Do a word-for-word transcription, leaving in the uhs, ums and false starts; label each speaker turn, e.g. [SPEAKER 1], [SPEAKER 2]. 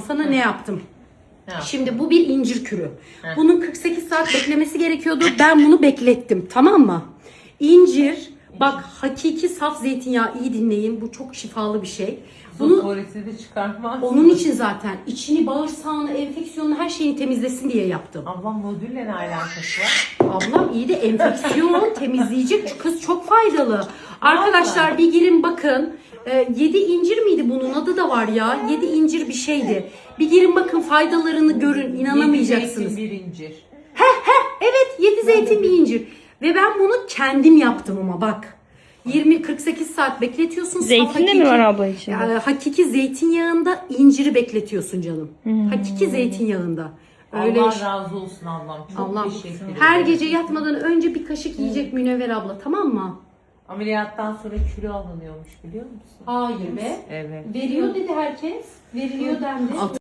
[SPEAKER 1] sana ne yaptım?
[SPEAKER 2] Ne yaptın?
[SPEAKER 1] Şimdi bu bir incir kürü.
[SPEAKER 2] Heh.
[SPEAKER 1] Bunun kırk sekiz saat beklemesi gerekiyordu. Ben bunu beklettim, tamam mı? İncir, bak hakiki saf zeytinyağı, iyi dinleyin. Bu çok şifalı bir şey. Bunu
[SPEAKER 2] Tuvaleti de çıkartmaz.
[SPEAKER 1] onun için zaten içini, bağırsağını, enfeksiyonunu, her şeyini temizlesin diye yaptım.
[SPEAKER 2] Ablam modülle ne alakası var?
[SPEAKER 1] Ablam iyi de enfeksiyon temizleyecek kız, çok faydalı. Arkadaşlar bir girin bakın. Ee, yedi incir miydi, bunun adı da var ya. Yedi incir bir şeydi. Bir girin bakın, faydalarını görün, inanamayacaksınız.
[SPEAKER 2] Yedi zeytin, bir incir.
[SPEAKER 1] Evet, yedi zeytin bir incir. Ve ben bunu kendim yaptım ama bak. yirmi kırk sekiz saat bekletiyorsun. Saf
[SPEAKER 3] Zeytin de mi var abla içinde?
[SPEAKER 1] Yani hakiki zeytinyağında inciri bekletiyorsun canım. Hakiki zeytinyağında. Öyle
[SPEAKER 2] Allah
[SPEAKER 1] iş-
[SPEAKER 2] razı olsun ablam. Çok
[SPEAKER 1] Allah
[SPEAKER 2] teşekkür ederim.
[SPEAKER 1] her gece yatmadan önce bir kaşık yiyecek Münevver abla, tamam mı?
[SPEAKER 2] Ameliyattan sonra kilo alınıyormuş biliyor musun?
[SPEAKER 1] Hayır be.
[SPEAKER 2] Evet.
[SPEAKER 1] Veriyor dedi herkes. Veriliyor dendi.